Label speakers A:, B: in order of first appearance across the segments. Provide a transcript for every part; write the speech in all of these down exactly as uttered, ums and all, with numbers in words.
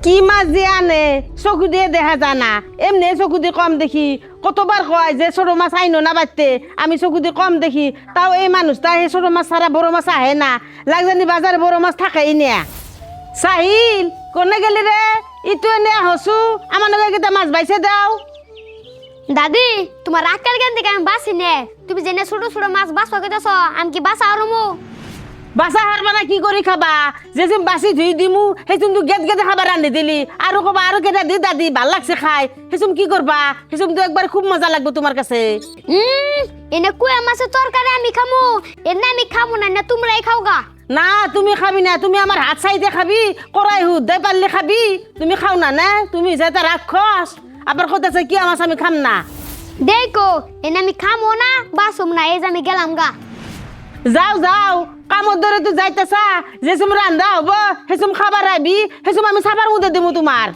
A: কি মাছ দিয়ে আনে চকু দিয়ে দেখা যায় না, এমনি চকু দিয়ে কম দেখি। কতবার কয় যে ছোট মাছ আইনো না বাড়তে, আমি চকু দিয়ে কম দেখি। তাও এই মানুষটা সেই ছোট মাছ ছাড়া বড় মাছ আহে না, লাগজানি বাজারে বড় মাছ থাকেই না। সাহিল কোনে গেলি রে? ইটো এনে হসু আমার লগে কেটা মাছ বাইছে দাও।
B: দাদি তোমার আক্কাল জ্ঞান থেকে আমি বাঁচি নে, তুমি জেনে ছোট ছোট মাছ বাঁচা কেটেছ, আমি কি বাঁচা আরমু?
A: বাসা হারবা না কি করি খাবা? যে তুমি বাসি ধুই দিমু সেই তুমি গেট গেটে খাবার রান্ধি দিলি, আৰু কবা আৰু কেটা দি দাদি ভাল লাগছে খাই, সেসম কি করবা? সেসম তো একবার খুব মজা লাগবে তোমার কাছে।
B: হুম এনে কুয়া মাছের তরকারি আমি খামু, এনে আমি খামু না, না তোমরাই খাও গা।
A: না তুমি খাবি না, তুমি আমার হাত চাইতে খাবি, করাই হুদাই পারলে খাবি। তুমি খাও না না, তুমি যেটা রাক্ষস আবার কোথাছে কি আমার আমি খাম না।
B: দেখো এনে আমি খামো না বাসুম না, এই যে আমি গেলাম গা।
A: যাও যাও, কামর ধরে তুই যাইতেছা, যেসম রান্ধা হবো সেসম খাবার আইবি, সেসম আমি সাবার মধ্যে দেবো তোমার।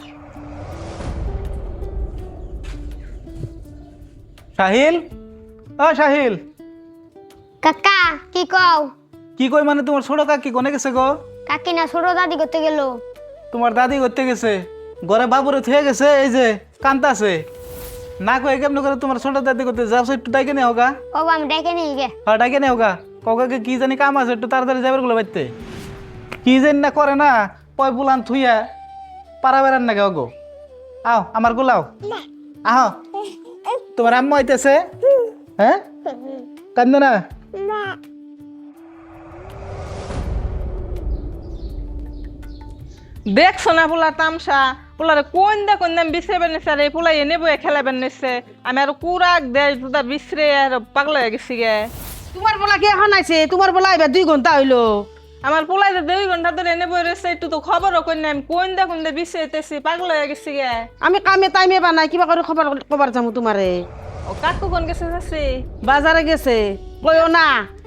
C: সাহিল, ও সাহিল,
B: কাকা কি কও?
C: কি কই মানে তোমার ছোট কাকি কোনে গেছে গো?
B: কাকি না ছোট দাদি করতে গেল।
C: তোমার দাদি করতে গেছে, ঘরে বাবুরে থুয়ে গেছে, এই যে কান্তাছে। না কয়ে কেমন করে তোমার ছোট দাদি করতে যাও, একটু ডাইকে নিয়ে হোগা।
B: ও আমি ডেকে নিয়ে গে।
C: হ্যাঁ ডাইকে নিয়ে হোগা, কাউকে কি জানি কাম আছে, একটু তাড়াতাড়ি যাবার গুলো বাড়তে। কি জানি না করে না, পয় বুলান থুইয়া পারা বেড়ান না গো। আও আমার গুলাও, আহ তোমার আম্মা হইতেছে। হ্যাঁ কান্দ না।
D: দেখছো না পোলা তামসা, পোলারে কোন দা কোন দাম বিছরে বেনেছে, আর এই পোলা এনে বয়ে খেলা বেনেছে। আমি আর কুরাক দেয় দুটা বিছরে আর পাগল হয়ে গেছি গে।
A: তোমার বলা কি এখন আইছে? তোমার বলা এবার দুই ঘন্টা হইলো।
D: আমার পোলাই তো দুই ঘন্টা ধরে এনে বয়ে রয়েছে, একটু তো খবরও কই না। আমি কোন দা কোন দা বিছরেতেছি, পাগল হয়ে গেছি গে।
A: আমি কামে টাইমে বানাই, কিবা করে খবর কবার যাবো তোমারে।
D: ও কাকু কোন গেছে যাচ্ছি?
A: বাজারে গেছে, কইও না